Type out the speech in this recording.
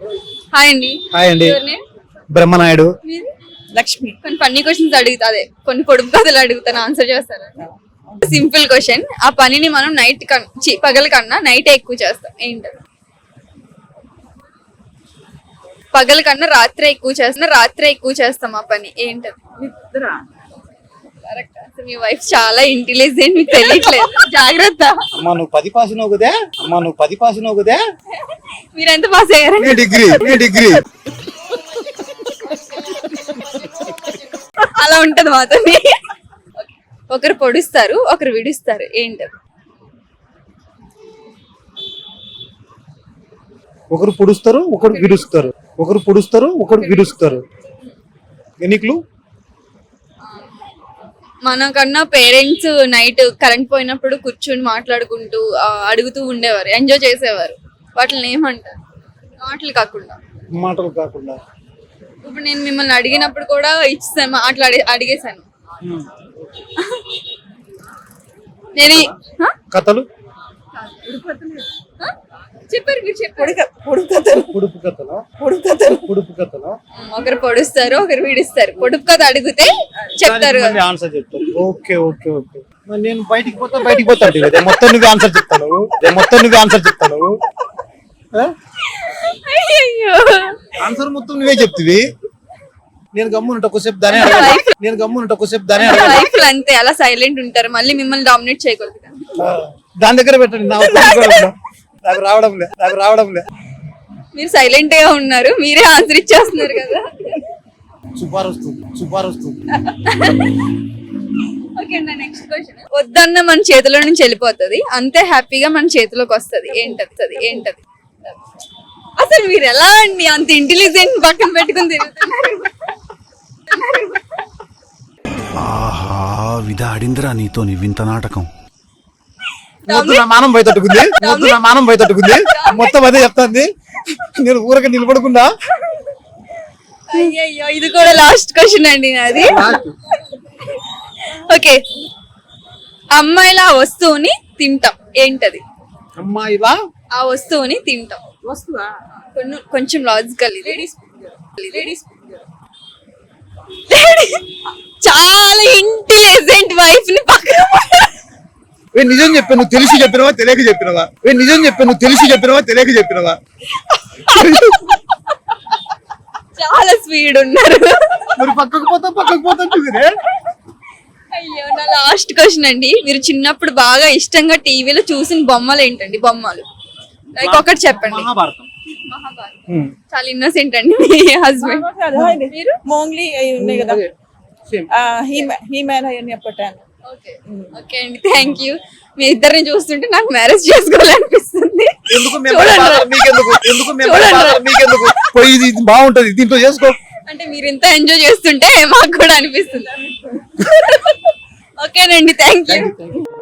Hi అండి. Hi అండి. Your name? Brahmanaidu. మీది? లక్ష్మి. కొన్ని ఫన్నీ క్వశ్చన్స్ అడుగుతా, అదే కొన్ని పొడుపు కథలు అడుగుతాను, ఆన్సర్ చేస్తారా? Simple question. ఆ పనిని మనం పగల కన్నా నైట్ ఎక్కువ చేస్తాం, ఏంటది? పగల కన్నా రాత్రే ఎక్కువ చేస్తాం ఆ పని, ఏంటది? నిద్ర. కరెక్ట్. అసలు మీ వైఫ్ చాలా ఇంటెలిజెంట్, మీకు తెలియట్లేదు. జాగ్రత్త. అమ్మా నువ్వు 10 పాస్ కదే. మీరెంత పాస్ అయ్యారండి? డిగ్రీ. అలా ఉంటది మాతో. ఒకరు పొడుస్తారు, ఒకరు విడుస్తారు, ఏంటది? ఒకరు పొడుస్తారు, ఒకరు విడుస్తారు. ఎన్నికలు? మనకన్నా పేరెంట్స్ నైట్ కరెంట్ పోయినప్పుడు కూర్చుని మాట్లాడుకుంటూ అడుగుతూ ఉండేవారు, ఎంజాయ్ చేసేవారు. వాటిని ఏమంటారు? మాటలు కాకుండా. ఇప్పుడు నేను మిమ్మల్ని అడిగినప్పుడు కూడా ఇచ్చేసాను, అడిగేశాను. నేను కథలు చెప్పారు, మీరు చెప్పారు. పొడుపు కథలు. ఒకరు పొడుస్తారు, ఒకరు విడిస్తారు. పొడుపు కథ అడిగితే చెప్తారు, ఆన్సర్ చెప్తారు. ఓకే. నేను బయటికి పోతా మొత్తం నువ్వే ఆన్సర్ చెప్తాను. ఆన్సర్ మొత్తం నువ్వే చెప్తివి. నేను గమ్మునుంట కొద్దిసేపు దానే లైఫ్ లో అంతే, అలా సైలెంట్ ఉంటారు, మళ్ళీ మిమ్మల్ని డామినేట్ చేయకూడదు. దాని దగ్గర పెట్టండి. నాకు రావడం లే. మీరు సైలెంట్ గా ఉన్నారు, మీరే ఆన్సర్ ఇచ్చేస్తున్నారు కదా. సుపారొస్తు. Okay, next question. వద్దన్న మన చేతిలో నుంచి వెళ్ళిపోతుంది, అంతే హ్యాపీగా మన చేతిలోకి వస్తుంది, ఏంటది? అసలు మీరు ఎలా అండి అంత ఇంటెలిజెంట్ పక్కన పెట్టుకుని తిరుగుతున్నారు? ఆహా విధాడిందిరా నీతో నీ వింత నాటకం. మానం బయటట్టుకుంది. మొత్తం అదే చెప్తాంది. నేను ఊరక నిలబడకుండా. అయ్యో, ఇది కూడా లాస్ట్ క్వశ్చన్ అండి నాది. ఓకే, అమ్మాయిల ఆ వస్తువుని తింటాం, ఏంటది? అమ్మాయిలా ఆ వస్తువుని తింటాం. వస్తువా? కొంచెం లాజికల్. చాలా ఇంటెలిజెంట్ వైఫ్ ని పక్కన. నిజం చెప్పా, నువ్వు తెలిసి చెప్పినవా తెలియక చెప్పినవా? చాలా స్పీడ్ ఉన్నారు. మరి పక్కకు పోతా అయ్యో, నా లాస్ట్ క్వశ్చన్ అండి. మీరు చిన్నప్పుడు బాగా ఇష్టంగా టీవీలో చూసిన బొమ్మలు ఏంటండి? లైక్ ఒకటి చెప్పండి. మహాభారతం. చాలా ఇన్నోసెంట్ అండి మీ హస్బెండ్. మీరు మోంగ్లీ అవి ఉన్నాయి కదా, హీమ్యాన్ అవన్నీ అప్పటాను. ఓకే అండి, థ్యాంక్ యూ. మీ ఇద్దరిని చూస్తుంటే నాకు మ్యారేజ్ చేసుకోవాలనిపిస్తుంది. పోయి బాగుంటది, దీంట్లో చేసుకో. అంటే మీరు ఇంత ఎంజాయ్ చేస్తుంటే మాకు కూడా అనిపిస్తుంది. ఓకేనండి, థ్యాంక్ యూ.